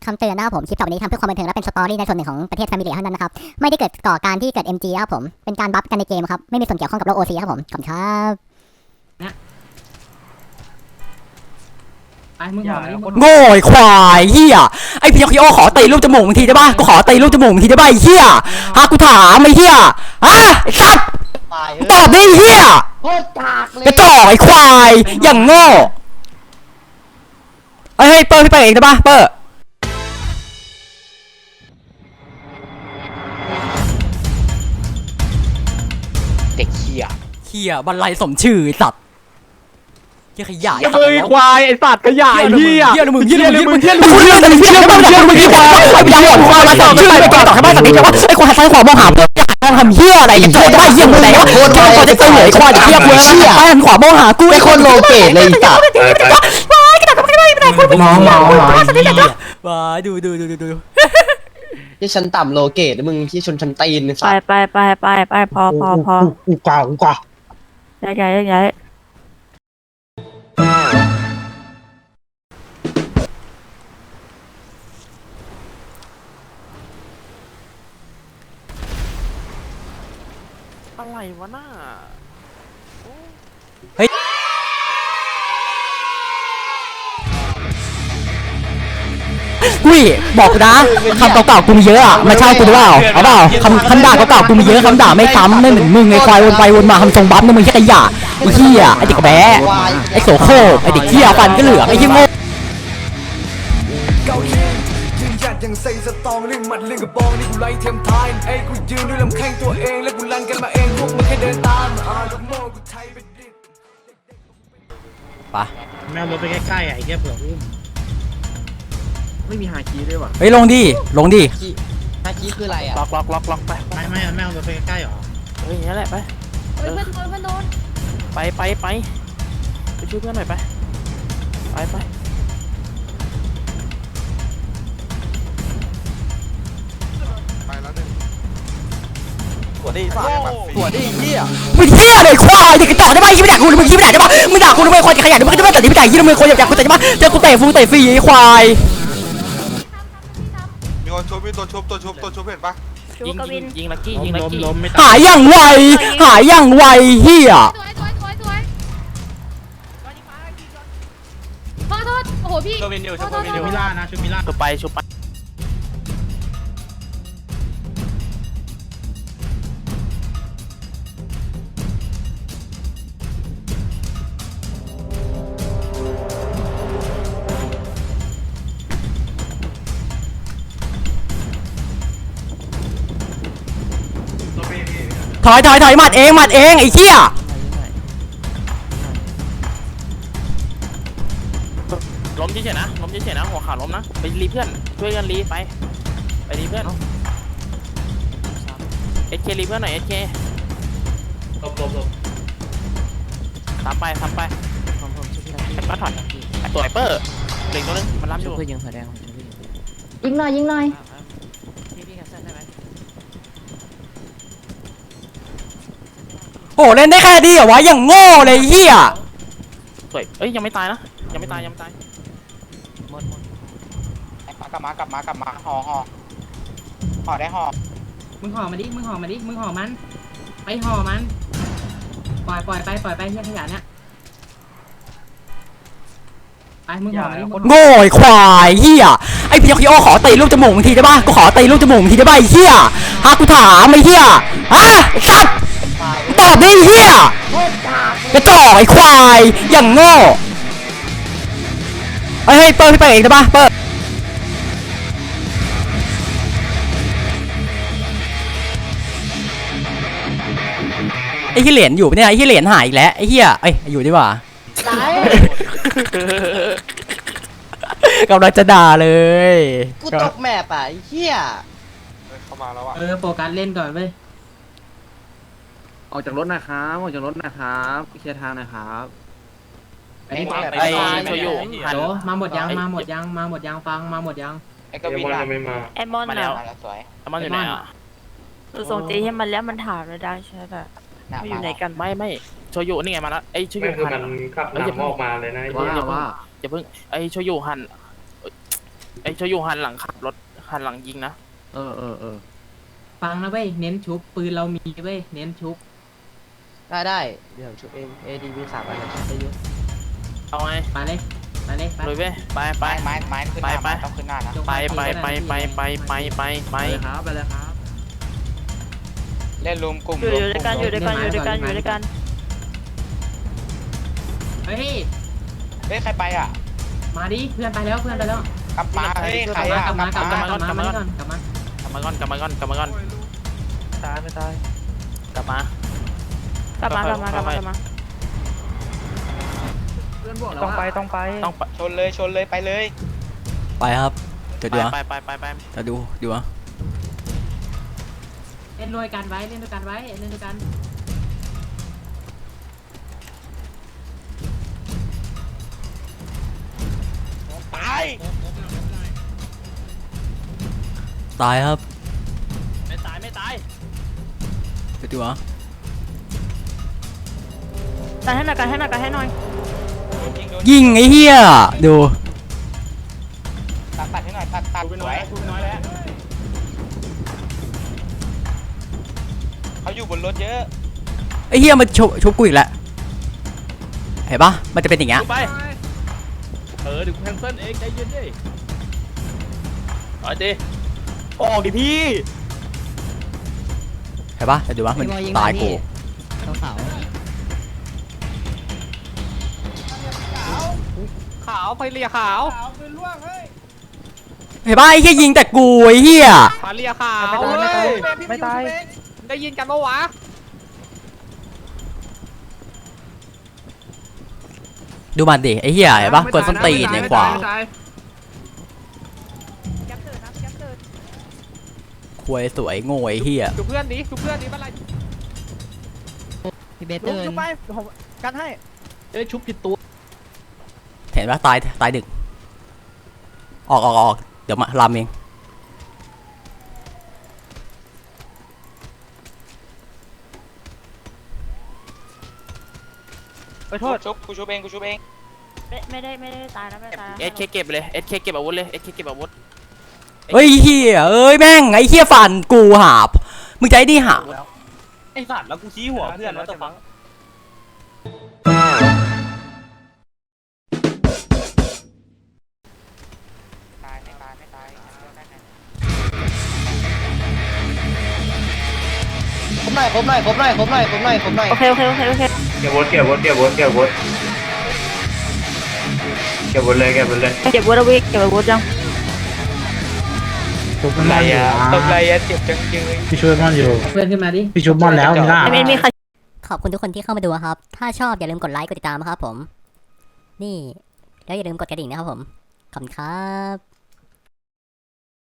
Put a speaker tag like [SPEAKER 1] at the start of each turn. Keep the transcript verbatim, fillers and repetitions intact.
[SPEAKER 1] คำเตือนนะครับผมคลิปต่อไปนี้ทำเพื่อความบันเทิงและเป็นสตอรี่ในส่วนหนึ่งของประเทศแฟมิลี่เท่านั้นนะครับไม่ได้เกิดก่อการที่เกิด เอ็ม จี ครับผมเป็นการบัฟกันในเกมครับไม่มีส่วนเกี่ยวข้องกับโลก โอ ซี ครับผมขอบคุณครับ
[SPEAKER 2] ไอ้มึงหอมมึง
[SPEAKER 3] โง่ไอ้ควายเฮียไอ้พี่คิโอขอตีลูกจมูกมึงทีได้ป่ะกูขอตีลูกจมูกมึงทีได้ป่ะไอ้เฮียฮะกูถามไอ้เฮียฮะไอ้สัตว์ตอบดิเฮียกระจอกไอ้ควายอย่างโง่ไอ้ให้เปิดพี่ไปเองได้ป่ะเปิด
[SPEAKER 4] เด็กเฮีย
[SPEAKER 3] เฮียบรรลัยสมชื่อไอ้สัตว์เฮียขยะไอ้
[SPEAKER 5] เฮ้ยควายไอ้สัตว์ขยะไอ้เหี้ย
[SPEAKER 3] เฮียมึงเฮียมึง
[SPEAKER 5] มึงเหี้ย
[SPEAKER 3] มึงเฮียมึงเฮียมึงเฮียมึงเฮียควายไอ้ยาวหมดควายมาสองชื่อไปก่อนต่อให้บ้านสัตว์นี้แต่ว่าไอ้ควายซ้ายขวามองหาทำเฮียอะไรกันโจได้เฮียมึงไหนวะโคตรควายจะเตยควายเฮียกูเชี่ยซ้ายขวามองหากูไอ้คนโลเกตเลยสัตว์ว้ายกระดาษไม่ได้ไม่ได้คนมองมองมองว้ายดูดูดูดูดู
[SPEAKER 4] ที่ชั้นต่ำโลเกตแล้วมึงที่ชนชั้นตีน
[SPEAKER 6] ไปไปไปไปไปพอพอพอ
[SPEAKER 5] กูกว่ากูกว่า
[SPEAKER 6] ย้ายย้ายย้ายอะไรวะน่า
[SPEAKER 3] เฮ้ยกุ้ยบอกนะคำเก่าๆกูมีเยอะอ่ะมาเช่ากูหรือเปล่าเอาเปล่าคำคำด่าเก่าๆกูมีเยอะคำด่าไม่ซ้ำไม่เหมือนมึงไอ้ควายวนไปวนมาคำทรงบัฟนี่มึงแค่ขยะไอ้เหี้ยไอ้เด็กแบ๊ะไอ้โสโครกไอ้เด็กเหี้ยฟันก็เหลืองไอ้เหี้ยโง่
[SPEAKER 7] ยังใส่สตองเรื่องหมัดเรื่องกระบองนี่กูไล่เทียมทายไอ้กูยืนด้วยลำแข้งตัวเองแล้วกูลั่นกันมาเองพวกมึงแค่เดินตามอ่าลูกโม่กูไทยไปดิ
[SPEAKER 3] ปะ
[SPEAKER 5] แมวรถไปใกล้ๆไอ้แค่เผื่ออุ้มไม่มีหาคีด้วยว่ะ
[SPEAKER 3] เฮ้ยลงดิลงดิ
[SPEAKER 4] ฮาคิคืออะไรอ่ะ
[SPEAKER 6] ล็อกล็อกล็อกล็อกไป
[SPEAKER 5] ไม่ไม่แมวรถไปใกล้ๆหรอ
[SPEAKER 6] เฮ้ยอย่างนี้แหละไป
[SPEAKER 8] เพื่อนโดนเพื่อนโดน
[SPEAKER 6] ไปไปไปไปช่วยเพื่อนหน่อยไปไปไปตัวดีสัตว์ตัวดีเหี้ย
[SPEAKER 3] มึงเหี้ยเลยควายเด็กกระจอกได้ปะยี่ไม่ด่ากูมึงยี่ไม่ด่าได้ปะมึงด่ากูทำไมคนขยันมึงจะไม่แต่ที่ไม่ด่ายี่ทำไมคนอยากกูแต่ได้ปะเจอกูเตะฟูเตะฟรีไอ้ควาย
[SPEAKER 9] มีคนชุบมีตัวชุบตัวชุบตัวชุบเห็นปะ
[SPEAKER 6] ยิงยิงยิงลักกี้ยิงลักกี้
[SPEAKER 3] หายอย่างไวหายอย่างไวเหี้ย
[SPEAKER 8] สวยสวยสวยสวยขอโทษโอ้โหพี่
[SPEAKER 5] ชุบมิล่านะชุบมิล่า
[SPEAKER 6] ชุบไปชุบไป
[SPEAKER 3] ถอยถอยถอยหมัดเองหมัดเองไอ้เหี้ย
[SPEAKER 6] ล้มเฉยๆนะล้มเฉยๆนะหัวขาล้มนะไปรีเพื่อนช่วยกันรีไปไปรีเพื่อนเอสเครีเพื่อนหน่อยเอสเคลบลบลบทำไปทำไปก็ถอยตัวไอเปอร์เด็กตัวนึงมันรับอยู่ยิงหัวแดง
[SPEAKER 8] ยิงหน่อยยิงหน่อย
[SPEAKER 3] โอ้เล่นได้แค่ดีเหรอวะอย่างโง่เลยเหี้ย
[SPEAKER 6] สวยเอ้ยยังไม่ตายนะยังไม่ตายยังไม่ตายหมดหมด
[SPEAKER 4] กลับมากลับมากลับมาห่อห่อห่อได้ห่อ
[SPEAKER 2] มึงห่อมาดิมึงห่อมาดิมึงห่อมันไปห่อมันปล่อยปล่อยไปปล่อยไปเฮียขยะเนี่ยไปมึงห่อมาดิ
[SPEAKER 3] โง่ไอ้ควายเหี้ยไอ้พี่คิโอขอตีลูกจมูกมึงทีได้ปะกูขอตีลูกจมูกมึงทีได้ปะไอ้เหี้ยฮะกูถามไอ้เหี้ยฮะไอ้สัตว์ตอบดิเหี้ยกระจอกไอ้ควายอย่างโง่ไอ้ให้เปิดพี่ไปเองได้ปะเปิดไอ้ที่เหรียญอยู่เนี่ยไอ้ที่เหรียญหายอีกแล้วไอ้เหี้ยไอ้อยู่ดีกว่ากำลังจะด่าเลย
[SPEAKER 4] กูตกแมปอ่ะไอ้เหี้ย
[SPEAKER 9] เข้ามาแล้วอ่ะ
[SPEAKER 2] เออโฟกัสเล่นก่อนเว้ย
[SPEAKER 5] ออกจากรถนะครับออกจากรถนะครับเคลียร์ทางนะครับ
[SPEAKER 6] ไอ้โชยุหัน
[SPEAKER 2] โหมาหมดยังมาหมดยังมาหมดยังฟังมาหมดยัง
[SPEAKER 4] ไอ้กวินไม่มา
[SPEAKER 6] ไอมอนมาแล้วสวยไอมอนอยู่ไหนอ่ะ
[SPEAKER 8] คือส่งตีให้มันแล้วมันถามเราได้ใช่ไหมไม่อยู่ไหนกัน
[SPEAKER 6] ไม่ไม่โชยุนี่ไงมาแล้วไอโชยุหัน
[SPEAKER 5] ขับนำออกมาเลยนะว่าว่า
[SPEAKER 6] อย่าเพิ่งไอโชยุหันไอ้โชยุหันหลังขับรถหันหลังยิงนะ
[SPEAKER 5] เออเออเออ
[SPEAKER 2] ฟังนะเว้ยเน้นชุบปืนเรามีเว้ยเน้นชุบ
[SPEAKER 3] ได้ได้เดี๋ยวชุบเองเอดีวีสามอันชุบได้เยอะ
[SPEAKER 6] เอาไง
[SPEAKER 2] ไปเลยไปเลยไป
[SPEAKER 6] ลุยเว้ยไปไป
[SPEAKER 4] ไม้ไม้ไม้ขึ้นหน้า
[SPEAKER 6] ไปไป
[SPEAKER 4] ต้องขึ้นหน้านะ
[SPEAKER 6] ไปไปไปไปไปไปไปไป
[SPEAKER 5] ไปเลยครับไปเลยครับ
[SPEAKER 4] เล่นรวมกลุ่ม
[SPEAKER 8] อยู่
[SPEAKER 4] รว
[SPEAKER 8] อ
[SPEAKER 4] ม
[SPEAKER 8] ยู่
[SPEAKER 4] ก
[SPEAKER 8] ด้วย
[SPEAKER 4] ลุ่ม
[SPEAKER 8] กันอยู่ด้วยกันอยู่ด้วยกันอยู่ด้วยกัน
[SPEAKER 2] เฮ้ย
[SPEAKER 4] เฮ้ยใครไปอ่ะ
[SPEAKER 2] มาดิเพื่อนไปแล้วเพื่อนไปแล้ว
[SPEAKER 4] กลับมาเฮ้ยใคร
[SPEAKER 2] กลับมา
[SPEAKER 4] อ่ะ
[SPEAKER 2] กลับมากลับมากลับมาก่อนกลับมาก
[SPEAKER 6] ลับมาก่อนกลับมาก่อนกลับมาก่อน
[SPEAKER 3] ตายไม่ตาย
[SPEAKER 6] กลับมาก
[SPEAKER 8] ลับมากลับมากลับมากลับมา
[SPEAKER 5] เพื่อนบอกแล้ว
[SPEAKER 3] ต้องไป
[SPEAKER 5] ว่า
[SPEAKER 3] ต้องไป
[SPEAKER 6] ต้องไป
[SPEAKER 4] ชนเลยชนเลยไปเลย
[SPEAKER 3] ไปครับเดี๋ยวดู
[SPEAKER 6] ไปไปไปไป
[SPEAKER 3] จะดูดูอ่ะ
[SPEAKER 2] เล่นด้วยกันไว้เล่นด้วยกันไว้เล่นด้วยกัน
[SPEAKER 4] ตาย
[SPEAKER 3] ตายครับ
[SPEAKER 6] ไม่ตายไม่ตาย
[SPEAKER 3] เดี๋ยวดูอ่ะ
[SPEAKER 8] กันให้หน่อยกันให้หน่อยกันให้หน่อย
[SPEAKER 3] ยิงไอ้เหี้ยดู
[SPEAKER 4] ตัดตัดให้หน่อยตัดตัดสวยเขาอยู่บนรถเยอะ
[SPEAKER 3] ไอ้เหี้ยมันชุบชุบกูอีกแล้วเห็นปะมันจะเป็นอย่างเงี้ย
[SPEAKER 6] ไปเออเดี๋ยวกูแคนเซิลเองใจเย็นดิเอาดิ
[SPEAKER 3] ออกดิพี่เห็นปะเดี๋ยวดูว่ามันตายกู
[SPEAKER 6] ขาวไปเรียขาว
[SPEAKER 3] เห็นปะไอ้เหี้ยยิงแต่กูไอ้เหี้ย
[SPEAKER 6] พาเรียขาว
[SPEAKER 3] ไม่ตายไม่ตายไม่ตาย
[SPEAKER 6] ได้ยินกันปะวะ
[SPEAKER 3] ดูมันดิไอ้เหี้ยเห็นปะกดส้นตีนในขวาควยสวยโง่ไอ้เหี้ย
[SPEAKER 6] ดูเพื่อนดิดูเพื่อนดิเป็นไร
[SPEAKER 3] พี่เบสเติร์น
[SPEAKER 6] ชุบไปผมกันให้เอ้ยชุบผิดตัว
[SPEAKER 3] เห็นปะตายตายดึกออกออกออกเดี๋ยวมาลามเอง
[SPEAKER 4] ไปโทษชุบกูชุบเองกูชุบเอง
[SPEAKER 8] ไม่ไม่ได้ไม่ได้ตายนะไม่ได้ตายนะ
[SPEAKER 6] เอสเคเก็บเลยเอสเคเก็บอาวุธเลยเอสเคเก็บอาวุธ
[SPEAKER 3] เฮ้ยเหี้ยเอ้ยแม่งไอ้เหี้ยฟันกูหาบมึงใจดีหา
[SPEAKER 6] ไอสัตว์แล้วกูชี้หัวเพื่อนแล้วตะฟัง
[SPEAKER 4] ตายไม่ตายไม่ตาย
[SPEAKER 3] ผมหน่อยผมหน่อยผมหน่อยผมหน่อยผมหน่อยผมหน่อย
[SPEAKER 8] โอเคโอเคโอเคโอเค
[SPEAKER 9] เก็บวุฒิเก็บวุฒิเก็บวุฒิเก็บวุฒิเก็บวุฒิเลยเก็บวุฒิเลย
[SPEAKER 8] เก็บวัตวิกเก็บวัตยัง
[SPEAKER 4] ตบไรอ่ะตบไรอ่ะเจ็บจังเลย
[SPEAKER 10] พี่ช่วยม่อนอยู่
[SPEAKER 2] เพื่อนขึ้นมาดิ
[SPEAKER 10] พี่ช่วยม่อนแล้วมีล่า
[SPEAKER 8] ไม่มีใคร
[SPEAKER 1] ขอบคุณทุกคนที่เข้ามาดูครับ ถ้าชอบอย่าลืมกดไลค์กดติดตามนะครับผม นี่แล้วอย่าลืมกดกระดิ่งนะครับผม ขอบคุณครับ